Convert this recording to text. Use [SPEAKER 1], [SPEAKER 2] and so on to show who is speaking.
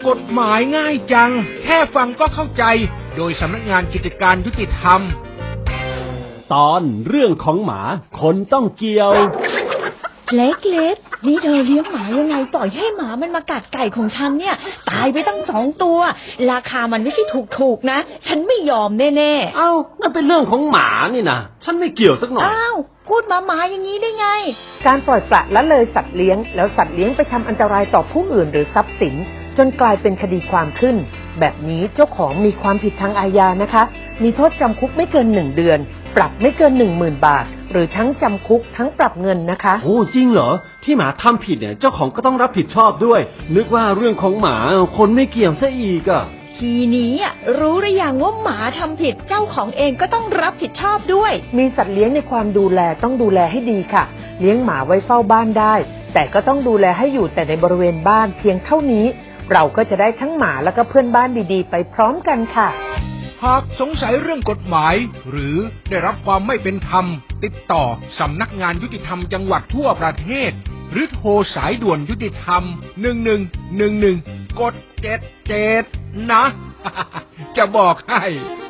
[SPEAKER 1] กฎหมายง่ายจังแค่ฟังก็เข้าใจโดยสำนักงานกิจการยุติธรรม
[SPEAKER 2] ตอนเรื่องของหมาคนต้องเกี่ยว
[SPEAKER 3] เล็กๆนี่เธอเลี้ยงหมายังไงปล่อยให้หมามันมากัดไก่ของฉันเนี่ยตายไปตั้ง2 ตัวราคามันไม่ใช่ถูกๆนะฉันไม่ยอมแน่
[SPEAKER 2] ๆอ้าวนั่นเป็นเรื่องของหมานี่นะฉันไม่เกี่ยวสักหน่อย
[SPEAKER 3] อ้าวพูดหมาอย่างนี้ได้ไง
[SPEAKER 4] การปล่อยปละละเลยสัตว์เลี้ยงแล้วสัตว์เลี้ยงไปทำอันตรายต่อผู้อื่นหรือทรัพย์สินจนกลายเป็นคดีความขึ้นแบบนี้เจ้าของมีความผิดทางอาญานะคะมีโทษจำคุกไม่เกิน1 เดือนปรับไม่เกิน 10,000 บาทหรือทั้งจำคุกทั้งปรับเงินนะคะ
[SPEAKER 2] โอ้จริงเหรอที่หมาทำผิดเนี่ยเจ้าของก็ต้องรับผิดชอบด้วยนึกว่าเรื่องของหมาคนไม่เกี่ยวซะอีกอ่ะ
[SPEAKER 3] ทีนี้รู้หรือยังว่าหมาทำผิดเจ้าของเองก็ต้องรับผิดชอบด้วย
[SPEAKER 4] มีสัตว์เลี้ยงในความดูแลต้องดูแลให้ดีค่ะเลี้ยงหมาไว้เฝ้าบ้านได้แต่ก็ต้องดูแลให้อยู่แต่ในบริเวณบ้านเพียงเท่านี้เราก็จะได้ทั้งหมาแล้วก็เพื่อนบ้านดีๆไปพร้อมกันค่ะ
[SPEAKER 1] หากสงสัยเรื่องกฎหมายหรือได้รับความไม่เป็นธรรมติดต่อสำนักงานยุติธรรมจังหวัดทั่วประเทศหรือโทรสายด่วนยุติธรรม1111กด77นะ จะบอกให้